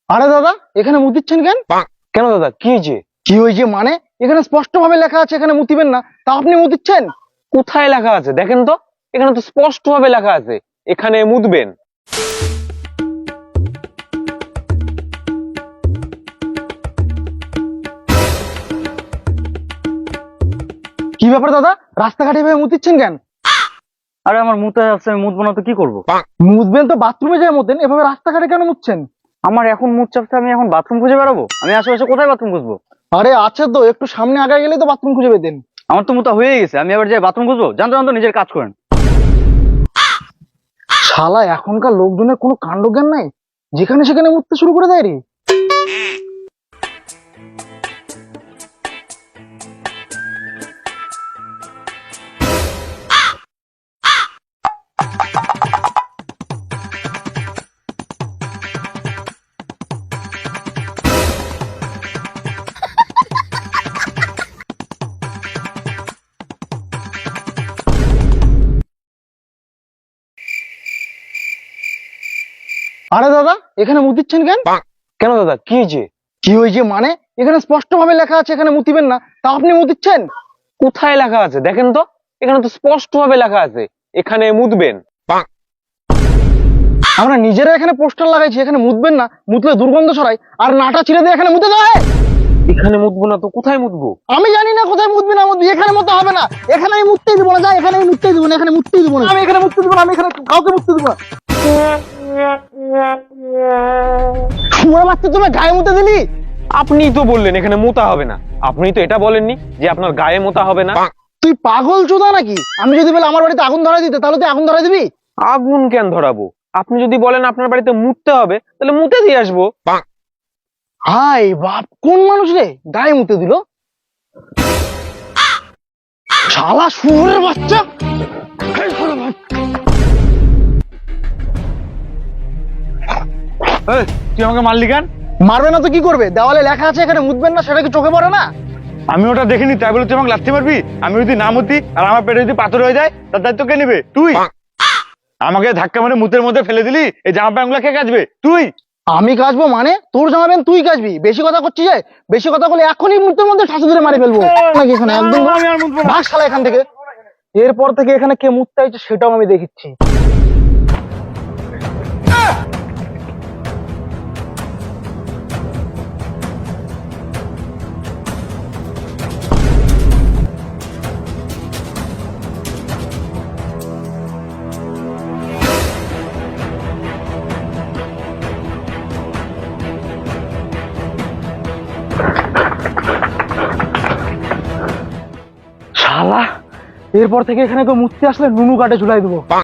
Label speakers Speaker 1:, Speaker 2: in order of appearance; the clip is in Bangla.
Speaker 1: আরে দাদা, এখানে মুতিচ্ছেন কেন?
Speaker 2: কেন দাদা, কি হয়েছে?
Speaker 1: কি হয়েছে মানে? এখানে স্পষ্ট ভাবে লেখা আছে এখানে মুতিবেন না, তা আপনি মুতিচ্ছেন।
Speaker 2: কোথায় লেখা আছে দেখেন তো। এখানে তো স্পষ্ট ভাবে লেখা আছে এখানে মুতবেন।
Speaker 1: কি ব্যাপার দাদা, রাস্তাঘাটে এভাবে মুতিচ্ছেন কেন?
Speaker 3: আরে আমার মুতে আসছে, আমি মুতবো না তো কি করবো?
Speaker 1: মুতবেন তো বাথরুমে যায় মুতেন, এভাবে রাস্তাঘাটে কেন মুতছেন?
Speaker 3: আমার এখন মুত চাপছে, আমি এখন বাথরুম খুঁজে বেড়াবো? আমি আশেপাশে কোথায় বাথরুম খুঁজবো?
Speaker 1: আরে আছে তো, একটু সামনে আগে গেলেই তো বাথরুম খুঁজে পেতেন।
Speaker 3: আমার তো মুতা হয়ে গেছে, আমি আবার যাই বাথরুম খুঁজবো? জানতো জানতো নিজের কাজ করেন।
Speaker 1: শালা এখনকার লোকজনের কোনো কাণ্ডজ্ঞান নাই, যেখানে সেখানে মুততে শুরু করে দেয় রে। আরে দাদা, এখানে মুতিচ্ছেন কেন?
Speaker 2: কেন দাদা, কি হয়েছে?
Speaker 1: কি হয়েছে মানে? এখানে স্পষ্ট ভাবে লেখা আছে এখানে মুতিবেন না, তা আপনি মুতিচ্ছেন।
Speaker 2: কোথায় লেখা আছে দেখেন তো। এখানে তো স্পষ্ট ভাবে লেখা আছে এখানে মুতবেন।
Speaker 1: আমরা নিজেরা এখানে পোস্টার লাগাইছি এখানে মুতবেন না, মুতলে দুর্গন্ধ ছড়ায়, আর নাটা ছিঁড়ে দিয়ে এখানে মুতে দেওয়া হয়।
Speaker 2: এখানে মুতবো না তো কোথায় মুতবো?
Speaker 1: আমি জানি না কোথায় মুতবি না মুতবি, এখানে মতো হবে না। এখানে আমি মুততেই দিব না, যা এখানে আমি মুততেই দিব না, এখানে মুততেই দিব না, আমি এখানে মুততে দিব না, আমি এখানে কাউকে মুততে দিব না। শুয়োর বাচ্চা, তুমি গায়ে মুতে দিলি।
Speaker 2: আপনিই তো বললেন এখানে মোতা হবে না। আপনি তো এটা বলেননি যে আপনার গায়ে মোতা হবে না।
Speaker 1: তুই পাগল চোদা নাকি? আমি যদি বলে আমার বাড়িতে আগুন ধরাই দিতে, তাহলে তুই আগুন ধরাই দিবি?
Speaker 2: আগুন কেন ধরাবো? আপনি যদি বলেন আপনার বাড়িতে মুততে হবে, তাহলে মুতে দিয়ে আসবো।
Speaker 1: হাই বাপ, কোন মানুষ রে গায়ে মুতে দিল? শালা শুয়োরের বাচ্চা। এই শালা বাচ্চা।
Speaker 3: তুই আমাকে মারলি কেন?
Speaker 1: মারবে না তো কি করবে? দেওয়ালে লেখা আছে এখানে মুতবেন না, সেটা কি চোখে পড়ে না?
Speaker 3: আমি ওটা দেখিনি, তাই বলে তুই আমাকে লাথি মারবি? আমি যদি না মুতি আর আমার পেটে যদি পাথর হয়ে যায়, তার দায়িত্ব কে নেবে? তুই। আমাকে ধাক্কা মেরে মুতের মধ্যে ফেলে দিলি, এই জামা প্যান্ট গুলা কে কাচবে? তুই।
Speaker 1: আমি কাচবো মানে? তোর জামাবেন তুই কাচবি। বেশি কথা করছিস যে, বেশি কথা বলে এখনই মুহূর্তের মধ্যে ঠাসু ধরে মারি ফেলবো নাকি এখানে একদম।
Speaker 3: আমি আর মুতবো না।
Speaker 1: ভাগ শালা এখান থেকে। এরপর থেকে এখানে কে মুততে চাইছে সেটাও আমি দেখিচ্ছি। শালা এরপর থেকে এখানে কেউ মুততে আসলে নুনু কাটে ঝুলাই দেবো।